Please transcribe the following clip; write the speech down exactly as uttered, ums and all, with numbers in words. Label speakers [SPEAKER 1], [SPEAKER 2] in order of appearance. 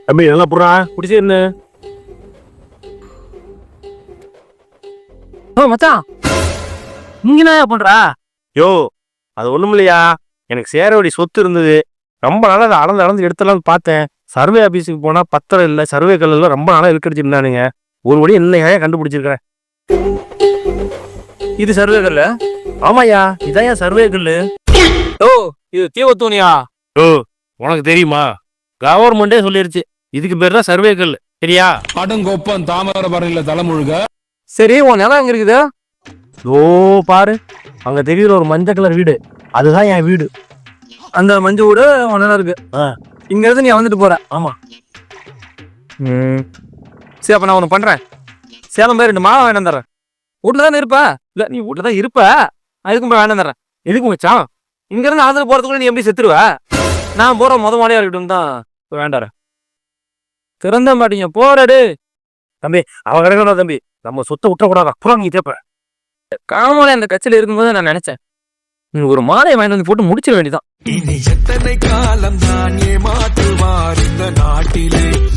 [SPEAKER 1] தம்பி நல்லா புறா குடிச்சு என்ன
[SPEAKER 2] மச்சான் நீங்க என்ன பண்றா?
[SPEAKER 1] யோ அது ஒண்ணும் இல்லையா, எனக்கு சேர வேண்டிய சொத்து இருந்தது. ரொம்ப நாளா அதை அளந்து அளந்து எடுத்துலாம் பார்த்தேன். சர்வே ஆபீஸுக்கு போனா பத்திரம் இல்லை, சர்வே கல்லாம் ரொம்ப நாளா இருக்கடிச்சிருந்தானுங்க. ஒரு வழி என்னையா கண்டுபிடிச்சிருக்கிறேன்.
[SPEAKER 2] இது சர்வே கல்லு?
[SPEAKER 1] ஆமாயா, இதான் சர்வே கல்லு.
[SPEAKER 2] ஓ இது தீவத்தூணியா?
[SPEAKER 1] ஓ உனக்கு தெரியுமா? கவர்மெண்டே சொல்லிருச்சு இதுக்கு பேர் தான் சர்வே கல். சரியா?
[SPEAKER 3] அடங்கொப்பம் தாமிரபரணியில தலைமுழுக.
[SPEAKER 2] சரி உன் நிலம் எங்க இருக்குது?
[SPEAKER 1] ஓ பாரு அங்க தெரியுற ஒரு மஞ்சள் கலர் வீடு, அதுதான் என் வீடு.
[SPEAKER 2] அந்த மஞ்சள் வீடு உன் நிலம் இருக்கு. இங்க இருந்து நீ வந்துட்டு போற?
[SPEAKER 1] ஆமா.
[SPEAKER 2] ம் சரி, அப்ப நான் ஒண்ணு பண்றேன். சேலம் போய் ரெண்டு மாவை வேண்டாம் தரேன். வீட்டுல தானே இருப்ப? இல்ல நீ வீட்டுல தான் இருப்ப, அதுக்கும் போய் வேண்டாம் தரேன். எதுக்கு மச்சான்? இங்க இருந்து ஆந்திர போறதுக்குள்ள நீ எப்படி செத்துருவ? நான் போற முத மாலையா இருக்கட்டும் தான் வேண்டாம். திறந்த மாட்டீங்க போறாடு.
[SPEAKER 1] தம்பி அவ கிடைக்கணும் தம்பி, நம்ம சொத்தை விட்டக்கூடாதா, புறம் நீ தேப்ப.
[SPEAKER 2] காமலை அந்த கட்சியில இருக்கும்போது நான் நினைச்சேன் நீ ஒரு மாலையை வாங்கி வந்து போட்டு முடிச்சிட வேண்டியதான்.
[SPEAKER 4] இனி எத்தனை காலம் தான் ஏமாற்றுவார் இந்த நாட்டிலே.